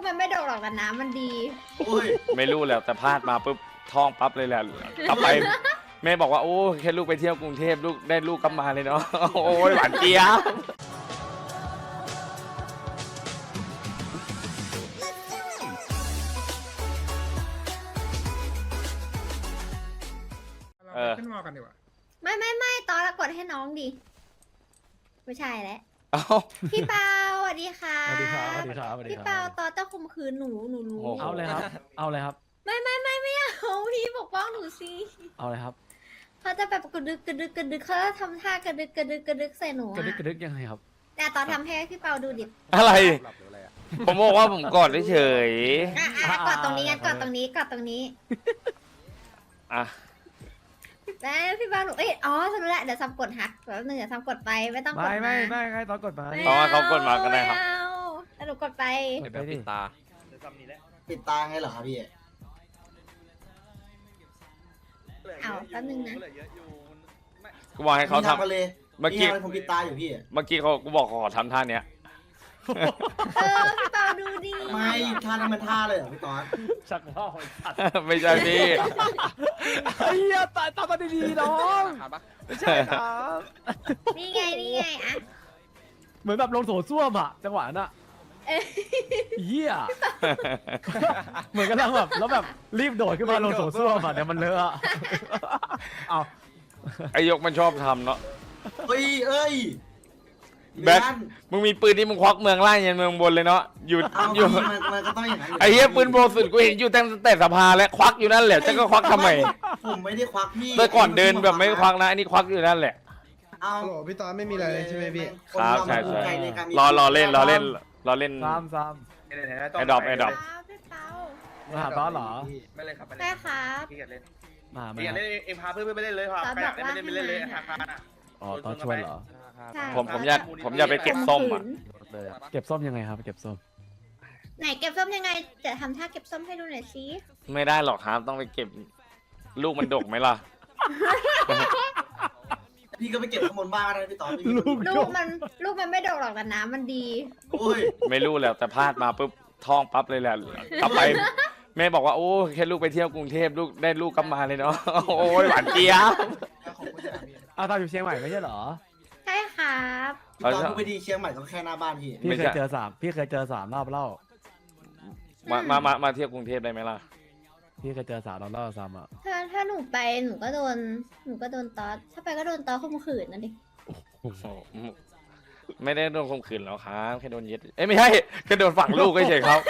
มันไม่โดดหรอกแต่น้ำมันดีโอ้ยไม่รู้แล้วแต่พลาดมาปุ๊บท้องปั๊บเลยแหละกลับไปแม่บอกว่าโอ้แค่ลูกไปเที่ยวกรุงเทพลูกได้ลูกกลับมาเลยเนาะโอ้ยหวานเจี๊ยบขึ้นมอกันดีกว่าไม่ตอนละกดให้น้องดิไม่ใช่แล้วเอ้าพี่เปาสวัสดีค่ะสวัสดีครับสวัสดีครับสวัสดีพี่ครับเปาตอนจะข่มขืนหนูรู้เอาเลยครับ เอาเลยครับไม่เอาพี่ปกป้องหนูสิเอาเลยครับเขาจะแบบกระดึกเขาจะทำท่ากระดึกใส่หนูกระดึกอะกระดึกยังไงครับแต่ตอนทำให้พี่เปาดูดิอะไร ผมบอกว่าผมกอดเฉยกอดตรงนี้งั้นกอดตรงนี้ๆอ่ะแล้วพี่เปาหนูสรุปแล้วเดี๋ยวซัมกดหักแบบนึงเดี๋ยวซัมกดไปไม่ต้องกดไม่ใครตอนกดมาตอนเขากดมาก็ได้ครับม่เอาแล้วหนูกดไปกดไปดิปิดตาไงเหรอครับพี่เอาแป๊บนึงนะกูบอกให้เขาทำมาเลยเมื่อกี้นี่ไงผมปิดตาอยู่พี่เมื่อกี้เขากูบอกขอทำท่าเนี้ยพี่เปาดูดิไม่ท่านั้นมันท่าเลยเหรอพี่ตอนชักว่าวไอ้สัตว์ไม่ใช่พี่ไอ้เหี้ยตามาดีๆน้องไม่ใช่ครับนี่ไงอะเหมือนแบบลงโถส้วมอะจังหวะนั้นอะเหี้ยเหมือนกันแบบแล้วแบบรีบโดดขึ้นมาลงโถส้วมอะเดี๋ยวมันเลอะอะเอาไอยกมันชอบทำเนาะเอ้ยแบ็ค มึงมีปืนนี่มึงควักเมืองล่างยันเมืองบนเลยเนาะอยู่เอาอยู่มันก็ต้องอย่างนั้นไอ้เหี้ยปืนโบสุดกูเห็นอยู่ตั้งแต่สภาแล้วควักอยู่นั่นแหละจะก็ควักทำไมผมไม่ได้ควักพี่เมื่อก่อนเดินแบบไม่ควักนะอันนี้ควักอยู่นั่นแหละเอาฮัลโหลพี่ตอนไม่มีอะไรเลยใช่ไหมพี่ครับใช่นเรามันภูมิใจในการมีรอเล่นซ้ำไอ้ดอกพี่เปามาหาตอนเหรอไม่เลยครับไม่เลได้ยครับพี่อยากเล่นมาหาพี่อยากไหมเล่นเอ็มพาเพื่อนไปเล่นเลยครับตอนใครอยากบอกเล่นว่าไม่เล่นเลยให้อาคารอ่ะอ๋อตอนชวนเหรอใช่ผมอยากไปเก็บส้มอ่ะเลยเก็บส้มยังไงครับเก็บส้มไหนเก็บส้มยังไงจะทำท่าเก็บส้มให้ดูหน่อยสิไม่ได้หรอกครับต้องไปเก็บลูกมันดกไหมล่ะพี่ก็ไปเก็บข้างบนบ้านนะพี่ตอนพี่ลูกมันไม่โดดหรอกแต่น้ำมันดีโอ้ยไม่รู้แล้วแต่พลาดมาปุ๊บท้องปั๊บเลยแหละกลับไปแม่บอกว่าโอ้แค่ลูกไปเที่ยวกรุงเทพลูกได้ลูกกลับมาเลยเนาะโอ้ยหวานเจี๊ยบอ้าวตอนอยู่เชียงใหม่ไม่ใช่เหรอใช่ครับพี่ตอนกูไปดีเชียงใหม่ก็แค่หน้าบ้านพี่พี่เคยเจอ3 รอบเล่ามาเที่ยวกรุงเทพได้ไหมล่ะพี่เคยเจอ3 รอบเล่าซ้ำอ่ะถ้าหนูไปหนูก็โดนตอสถ้าไปก็โดนตอสข่มขืนนั่นดิโอ้โหไม่ได้โดนข่มขืนแล้วครับแค่โดนยึดเอ้ยไม่ใช่แค่โดนฝังลูกเฉยๆครับ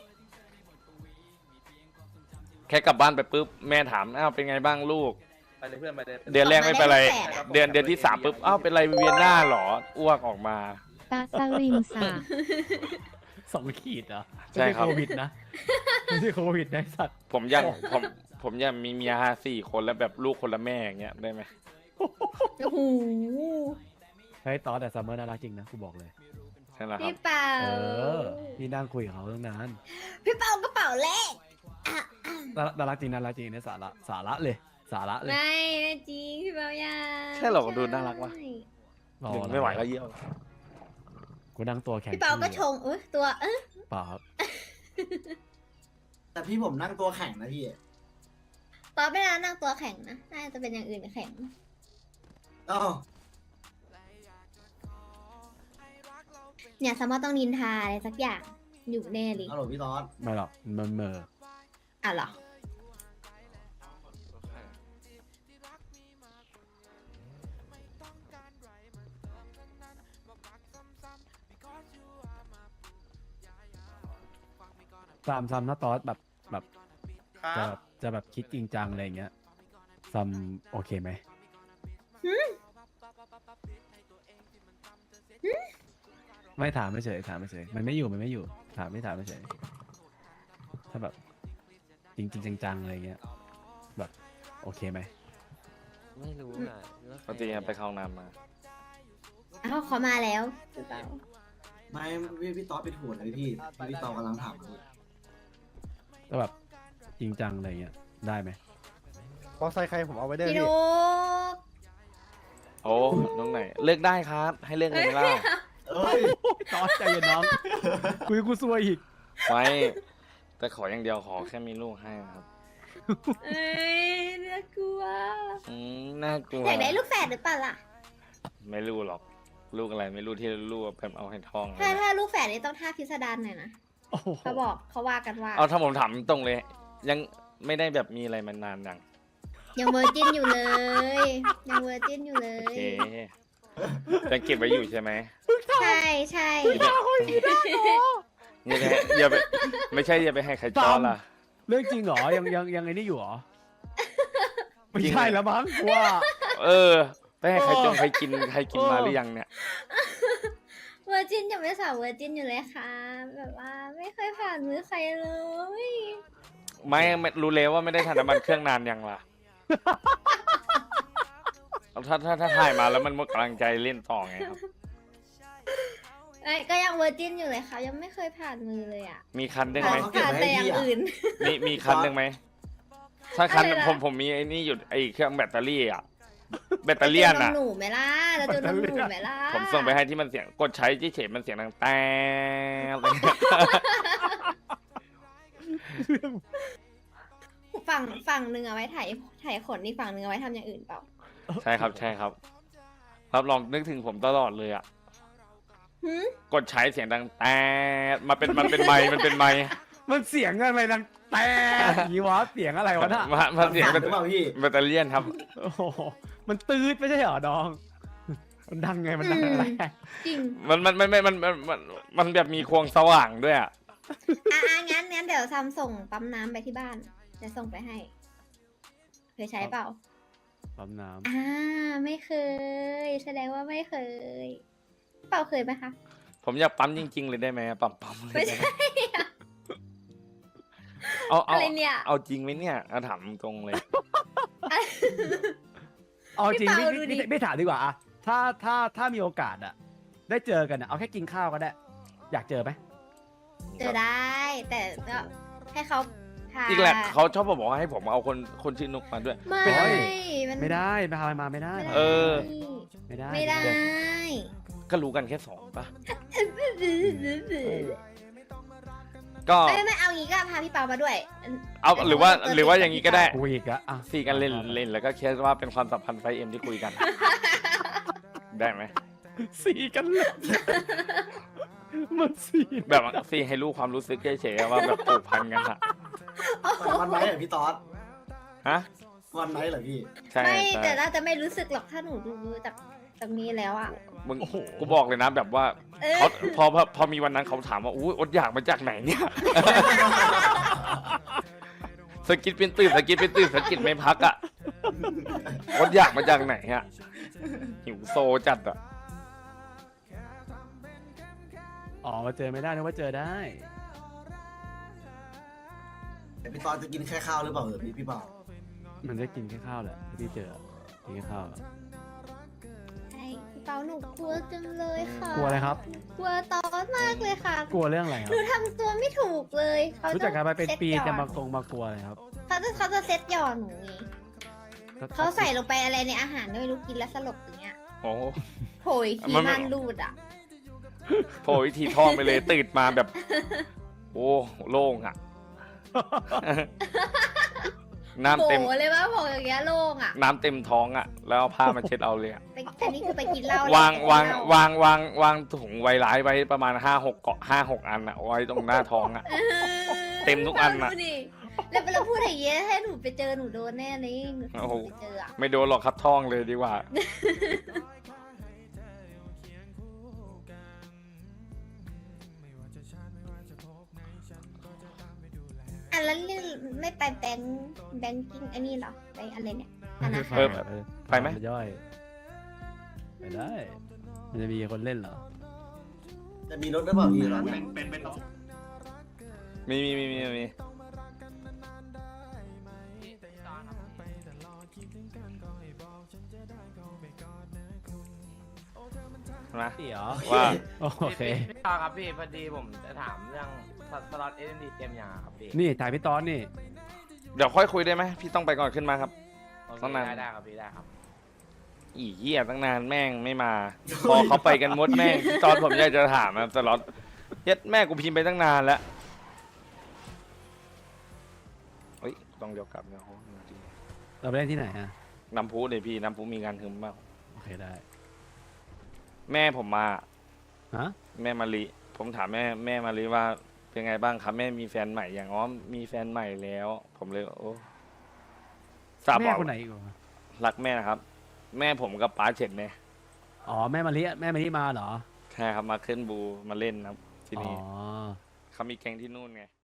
แค่กลับบ้านไปปุ๊บแม่ถามอ้าวเป็นไงบ้างลูกไปเลยเพื่อนไปเลยเดือนแรกไม่เป็นไร เดือนที่3ปุ๊บอ้าวเป็นไรเวียนหน้าเหรออ้วกออกมาตาสลิงสา 2 ขีดเหรอใช่ครับไม่ใช่โควิดนะไม่ใช่โควิดนะไอ้สัตว์ผมอยากมีเมีย4 คนแล้วแบบลูกคนละแม่อย่างเงี้ยได้ไหมโอ้โหเฮ้ยตอนแต่ซัมเมอร์น่ารักจริงนะกูบอกเลยใช่แล้วครัพี่บเปาพี่นั่งคุยกับเขาตั้งนานพี่เปากระเป๋าเลขน่ารักจริงเนี่ยสาระเลยไม่จริงพี่เปาอย่าใช่เหรอดูน่ารักวะรอหนึ่งไม่ไหวแล้วเยี่ยวกูนั่งตัวแข็งพี่เปาก็ชงตัวเปล่าครับแต่พี่ผมนั่งตัวแข็งนะพี่ตอนไม่นานนั่งตัวแข็งนะน่าจะเป็นอย่างอื่นแข็งอ๋อเนี่ยสมมติต้องนินทาอะไรสักอย่างอยู่แน่เลยฮัลโหลพี่ตอนไม่หรอกมันเหมออ่ะเหรอซ้ำนะตอสแบบครับจะแบบคิดจริงจังอะไรอย่างเงี้ยซ้ำโอเคไหมไม่ถามไม่เฉยมันไม่อยู่ถามไม่เฉยถ้าแบบจริงจังๆอะไรเงี้ยแบบโอเคไหมไม่รู้อ่ะปกติไปเข้าห้องน้ำมาอ้าวเขามาแล้วพี่เปาไม่พี่ตอนเป็นหัวเลยพี่ตอนกำลังถามอยู่ก็แบบจริงจังอะไรเงี้ยได้ไหมพอใส่ใครผมเอาไว้ได้พี่พี่นุกโอ้น้องไหนเลือกได้ครับ ให้เลือกเลยไหมล่ะเอ้ยตอสใจเย็นน้อง กูซวยอีกไว้ แต่ขออย่างเดียวขอแค่มีลูกให้ครับเอ้ยน่ากลัวน่ากลัวอยากได้ลูกแฝดหรือเปล่าล่ะไม่รู้หรอก ลูกอะไรไม่รู้ที่ลูกแบบเอาให้ท้องถ้าลูกแฝดนี่ต้องท่าพิสดารหน่อยนะโอ้โหเขาว่ากันว่าเอาถ้าผมถามตรงเลย ยังไม่ได้แบบมีอะไรมานานยังยังเวอร์จินอยู่เลย ยังเวอร์จินอยู่เลโอย เคยังเก็บไว้อยู่ใช่ไหมใช่ใช่นี่แหละอย่าไปไม่ใช่อย่าไปให้ใครจ้อนล่ะเรื่องจริงเหรอยังไงนี่อยู่เหรอไม่จริงใช่แล้วมั้งว่าไปให้ใครจงใครกินมาหรือยังเนี่ยเวอร์จินยังเป็นสาวเวอร์จินอยู่เลยค่ะ แบบว่าไม่เคยผ่านมือใครเลยไม่รู้เลยว่าไม่ได้ทานน้ำมันเครื่องนานยังล่ะ ถ้าถ่ายมาแล้วมันหมดกำลังใจเล่นต่อไงครับไอ้ก็ยังเวอร์จินอยู่เลยค่ะ ยังไม่เคยผ่านมือเลยอ่ะมีคันหนึ่งไหมผ่านแต่อย่างอื่นมีคันหนึ่งไหมถ้าคันอะไรนะผมมีไอ้นี่อยู่ไอ้เครื่องแบตเตอรี่อ่ะแบตเตอรี่เราอ่ะหนูไหมล่ะเราจะนมหนูไหมล่ะผมส่งไปให้ที่มันเสียงกดใช้เฉยๆมันเสียงดังแต่ฝั่งหนึ่งเอาไว้ถ่ายขนนี่ฝั่งหนึ่งเอาไว้ทำอย่างอื่นเปล่าใช่ครับรับรองนึกถึงผมตลอดเลยอ่ะหืมกดใช้เสียงดังแต่มันเป็นไมค์มันเสียงอะไรดังแต่ยีวะเสียงอะไรวะน่ะมันเสียงหรือเปล่าพี่แบตเตอรี่ครับโอ้โหมันตืดไม่ใช่เหรอดอง มันดังไงมันดังอะไรจริงมันแบบมีควงสว่างด้วยอ่ะงั้นเดี๋ยวซัมส่งปั๊มน้ำไปที่บ้านจะส่งไปให้เคยใช้เปล่าปั๊มน้ไม่เคย แสดงว่าไม่เคย เปล่าเคยไหมคะผมอยากปั๊มจริงๆเลยได้ไหมปั๊มเลยไม่ได้ใช่ไหมเอาอะไรเนี่ยเอาจริงไหมเนี่ยเอาถามตรงเลยำเอาจริงพี่เปาดูดิไม่ถามดีกว่าอะถ้ามีโอกาสอะได้เจอกันอะเอาแค่กินข้าวก็ได้ อยากเจอไหมเจอได้ แต่ก็ให้เขาพาจริงแหละเขาชอบบอกว่าให้ผมเอาคนชื่อนุกมาด้วยไม่ มันไม่ได้พามาไม่ได้เออไม่ได้ไม่ได้ก็รู้กันแค่สองปะก็ไม่เอางี้ก็พาพี่เปามาด้วยเอาหรือว่าอย่างนี้ก็ได้กูอีกอะอ่ะสี่กันเล่นแล้วก็เคสว่าเป็นความสัมพันธ์ไฟเอ็มที่คุยกัน ได้ไหมสีกันเลยมันสีแบบสี่ให้รู้ความรู้สึกเฉยๆว่าแบบผูกพันกันอะวันไหนเหรอพี่ต๊อดฮะวันไหนเหรอพี่ใช่ไม่ใช่แต่เราจะไม่รู้สึกหรอกถ้าหนูดูจากนี้แล้วอ่ะมึงกูบอกเลยนะแบบว่าเออเขาพอมีวันนั้นเขาถามว่าอุ้ยอดอยากมาจากไหนเนี่ย สกิดเป็นตื่นสกิดไม่พักอ่ะอดอยากมาจากไหนอ่ะหิวโซจัดอ่ะอ๋อมาเจอไม่ได้นะว่าเจอได้แต่พี่ต๊อดจะกินแค่ข้าวหรือเปล่าพี่เปามันได้กินแค่ข้าวแหละที่เจอกินแค่ข้าวอะใช่พี่เปาหนูกลัวจังเลยค่ะกลัวอะไรครับกลัวตอนมากเลยค่ะกลัวเรื่องอะไรคหรับนูทำตัวไม่ถูกเลยเขารู้จักกันมาเป็นปีซ็ตหย่จะอนมากลัวอะไรครับเขาจะเซ็ตหย่อนหนูไงเขาใส่ลงไปอะไรในอาหารไม่รู้กินแล้วสลบอย่างเงี้ยโอ้โผยทีมันไม่มันรูดอ่ะโผล่วิธีท้องไปเลยตื่นมาแบบ โอ้โล่งอ่ะ น้ำโผเต็มเลยว่าโผอย่างเงี้ยโล่งอ่ะน้ำเต็มท้องอ่ะ แล้วเอาผ้ามาเช็ดเอาเลยอะแต่นี่คือไปกินเหล้าวางถุงไวร้ายไว้ประมาณ5-6 อันอ่ะไว้ตรงหน้าท้องอ่ะ เต็มทุกอันน่ะดูดิแล้วเราพูดอย่างเงี้ยให้หนูไปเจอหนูโดนแน่เลยหนูโอ้โหไปเจออ่ะไม่โดนหรอกครับท้องเลยดีกว่าอ่ะแล้วเรื่องไม่ไปแบงกิ้งอันนี้เหรอไปอะไรเนี่ยธนาคารไปไหมย่อยไปได้ มันจะมีคนเล่นเหรอจะมีรถหรือเปล่าพี่ตอนนี้มีนะเดี๋ยวว่าโอเคพี่ตาครับพี่พอดีผมจะถามเรื่องสล็อตเอ็นดีเต็มยังอะครับพี่นี่ถ่ายพี่ตอนนี่เดี๋ยวค่อยคุยได้ไหมพี่ต้องไปก่อนขึ้นมาครับโอเคต้องนานได้ครับพี่ได้ครับอีเหี้ยตั้งนานแม่งไม่มา พอเขาไปกันหมดแม่งพี่ตอนผมอยากจะถามนะตลอดเย็ดแม่กูพิมพ์ไปตั้งนานแล้วต้องเดียวกลับเนี่ยโอ้จริงเราไปเล่นที่ไหนอะน้ำพุเลยพี่น้ำพุมีงานถึงมากโอเคได้แม่ผมมาฮะแม่มารีผมถามแม่มารีว่าเป็นไงบ้างครับแม่มีแฟนใหม่อย่างอ๋อมีแฟนใหม่แล้ว ผมเลยโอ้ทราบแม่บอกคนไหนอีกวะรักแม่นะครับ แม่ผมกับป้าเฉินเนี่ยอ๋อแม่มาลิมาเหรอใช่ครับมาขึ้นบูมาเล่นนะครับที่อ๋อนี่เขามีแก๊งที่นู่นไง